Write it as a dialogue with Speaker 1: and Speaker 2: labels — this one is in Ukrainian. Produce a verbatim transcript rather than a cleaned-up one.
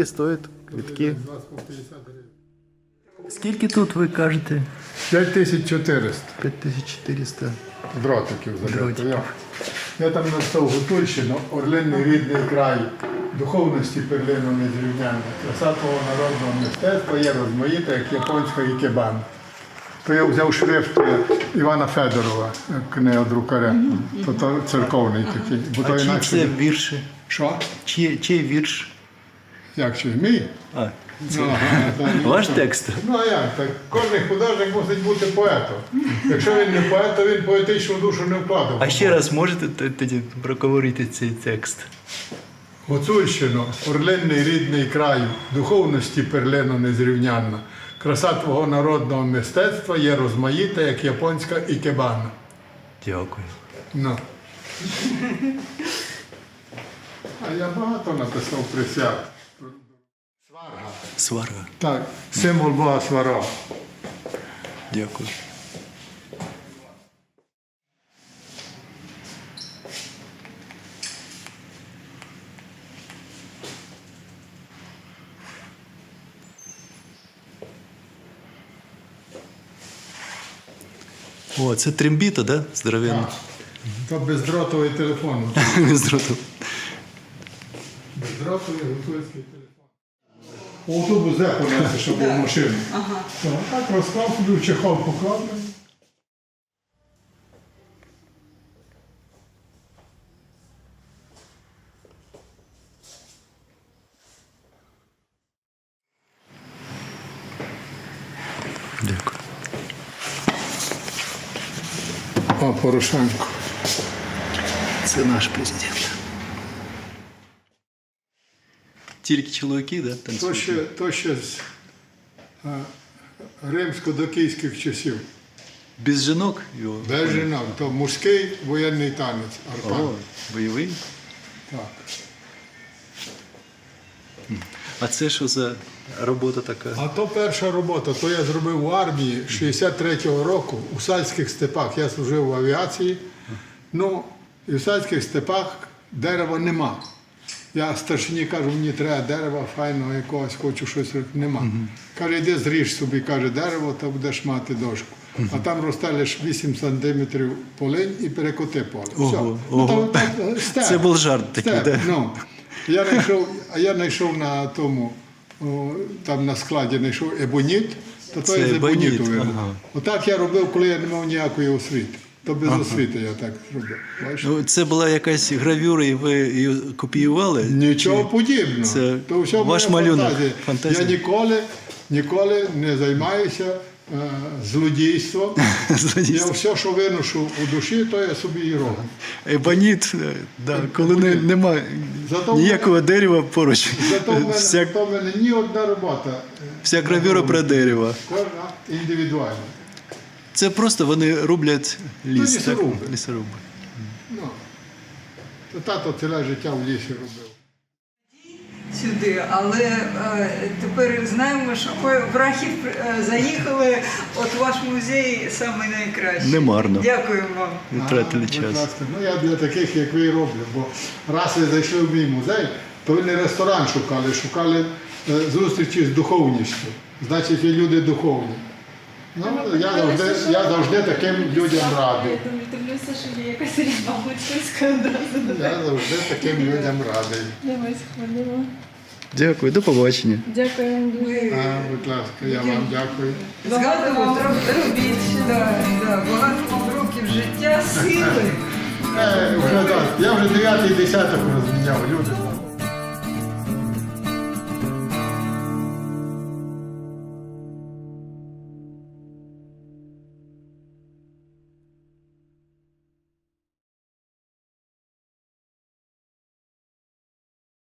Speaker 1: стоять квитки. Скільки тут ви кажете?
Speaker 2: п'ять тисяч чотириста
Speaker 1: п'ять тисяч чотириста.
Speaker 2: дротиків забито.
Speaker 1: Дротиків.
Speaker 2: Я, я там написав Гутульщину, орлинний рідний край, духовності перлину незрівнянна, краса твого народного мистецтва є розмаїта, як японська ікебана. То я взяв шрифт Івана Федорова, книгодрукаря, то, то церковний такий. Бо то
Speaker 1: А чий
Speaker 2: інакше...
Speaker 1: це вірші?
Speaker 2: Що?
Speaker 1: Чий, чий вірш?
Speaker 2: Як чи? Мій?
Speaker 1: А,
Speaker 2: Ну, ага, та ні.
Speaker 1: ваш текст?
Speaker 2: Ну а як? Так кожен художник мусить бути поетом. Якщо він не поет, то він поетичну душу не вкладав.
Speaker 1: А ще раз можете т- тоді проговорити цей текст?
Speaker 2: Гуцульщино, орлинний рідний краю, духовності перлина незрівнянна. Краса твого народного мистецтва є розмаїта, як японська ікебана.
Speaker 1: Дякую.
Speaker 2: Ну. А я багато написав присяг. Сварга.
Speaker 1: Сварга.
Speaker 2: Так, символ Бога Сварога.
Speaker 1: Дякую. О, це трембіта, да? Здоровенна.
Speaker 2: То бездротовий телефон.
Speaker 1: Зрозумів.
Speaker 2: Бездротовий гуцульський телефон. У автобус де понесе, щоб був машину. Ага. Так розклав, собі в чехол поклав.
Speaker 1: Дякую.
Speaker 2: О, Порошенко.
Speaker 1: Це наш президент. Тільки чоловіки, да?
Speaker 2: То
Speaker 1: танцюють?
Speaker 2: ще, то ще з а, римсько-докійських часів.
Speaker 1: Без жінок його?
Speaker 2: Без жінок. То мужський воєнний танець. Арпан.
Speaker 1: О, бойовий?
Speaker 2: Так.
Speaker 1: А це що за робота така?
Speaker 2: А то перша робота, то я зробив в армії шістдесят третього року у Сальських степах. Я служив в авіації. Ну, і в Сальських степах дерева нема. Я старшині кажу, мені треба дерева файного якогось, хочу щось робити. Нема. Uh-huh. Каже, йди зріж собі, каже, дерево, то будеш мати дошку. Uh-huh. А там росте лише вісім сантиметрів полинь і перекоти поле.
Speaker 1: Ого,
Speaker 2: Все.
Speaker 1: ого.
Speaker 2: Ну, то, то, степ,
Speaker 1: Це був жарт такий,
Speaker 2: степ,
Speaker 1: да?
Speaker 2: ну. Я знайшов, а я знайшов на тому, о, там на складі знайшов ебоніт, то то
Speaker 1: Це
Speaker 2: є з ебоніту.
Speaker 1: ебоніт,
Speaker 2: Ага.
Speaker 1: ага.
Speaker 2: Отак я робив, коли я не мав ніякої освіти. То без ага. освіти я так зробив. Бачиш?
Speaker 1: Ну, це була якась гравюра, і ви її копіювали?
Speaker 2: Нічого
Speaker 1: Чи...
Speaker 2: подібного.
Speaker 1: Це
Speaker 2: То все
Speaker 1: ваш
Speaker 2: моя
Speaker 1: малюнок,
Speaker 2: фантазія.
Speaker 1: фантазія?
Speaker 2: Я ніколи, ніколи не займаюся е, злодійством. Я все, що виношу у душі, то я собі і роблю.
Speaker 1: Ебоніт, да, коли не, нема
Speaker 2: Зато
Speaker 1: ніякого
Speaker 2: мене,
Speaker 1: дерева поруч.
Speaker 2: зато в мене,
Speaker 1: Вся,
Speaker 2: зато в мене ні одна робота.
Speaker 1: вся гравюра про дерево.
Speaker 2: Кожна індивідуальна.
Speaker 1: Це просто вони роблять ліс.
Speaker 2: Ну, лісоруби.
Speaker 1: Так? Лісоруби.
Speaker 2: Ну, то тато ціле життя в лісі робив.
Speaker 3: Сюди, але е, тепер знаємо, що в Рахів е, заїхали, от ваш музей самий найкращий.
Speaker 1: Немарно.
Speaker 3: Дякую вам.
Speaker 1: Не втратили
Speaker 2: А, будь
Speaker 1: час.
Speaker 2: ласка. Ну, я для таких, як ви, і роблю. Бо раз ви зайшли в мій музей, то ви не ресторан шукали, шукали е, зустрічі з духовністю. Значить, ви люди духовні. Ну, я завжди, я завжди таким людям радий.
Speaker 4: Я дивлюся, що є якась різьба гуцульська одразу.
Speaker 2: Я завжди таким людям радий.
Speaker 4: Давай сходимо.
Speaker 1: Дякую, до побачення.
Speaker 4: Дякую вам дуже.
Speaker 2: А, будь ласка, я вам дякую.
Speaker 3: Багато вам робіть, да, да, багато вам років життя, сили.
Speaker 2: Е, вже, так, я вже дев'ятий десяток розміняв, люди.